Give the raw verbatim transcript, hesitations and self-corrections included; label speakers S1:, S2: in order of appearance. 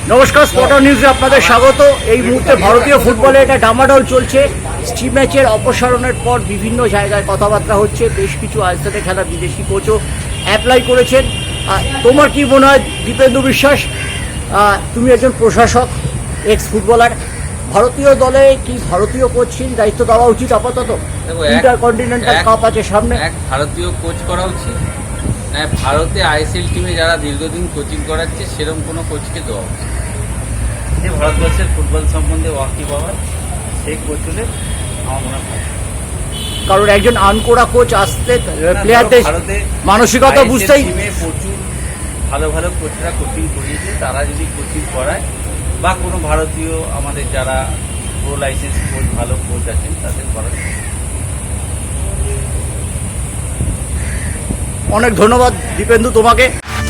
S1: নমস্কার, স্পটার নিউজে আপনাদের স্বাগত। এই মুহূর্তে ভারতীয় ফুটবলে এটা ডামাডোল চলছে। স্টিভ ম্যাচের অপসারণের পর বিভিন্ন জায়গায় কথাবার্তা হচ্ছে, বেশ কিছু আইএসএলে খেলা বিদেশি কোচও অ্যাপ্লাই করেছেন। তোমার কি মনে হয় দীপেন্দু বিশ্বাস, তুমি একজন প্রশাসক, এক্স ফুটবলার, ভারতীয় দলে কি ভারতীয় কোচের দায়িত্ব দেওয়া উচিত আপাতত? ইন্টারকন্টিনেন্টাল কাপ আছে সামনে,
S2: এক ভারতীয় কোচ করা উচিত না ভারতে আইএসএল টিমে যারা দীর্ঘদিন কোচিং করাচ্ছে সেরকম কোনো কোচকে দেওয়া উচিত। যে ভারতবর্ষের ফুটবল সম্বন্ধে ওয়াকিবহাল সেই কোচ হলে আমার মনে হয়,
S1: কারণ একজন আনকোড়া কোচ আসতে প্লেয়ারদের
S2: ভারতে
S1: মানসিকতা বুঝতেই
S2: টিমে প্রচুর ভালো ভালো কোচরা কোচিং করিয়েছে, তারা যদি কোচিং করায় বা কোনো ভারতীয় আমাদের যারা প্রো লাইসেন্স কোচ ভালো কোচ আছেন তাদের করার।
S1: অনেক ধন্যবাদ দীপেন্দু তোমাকে।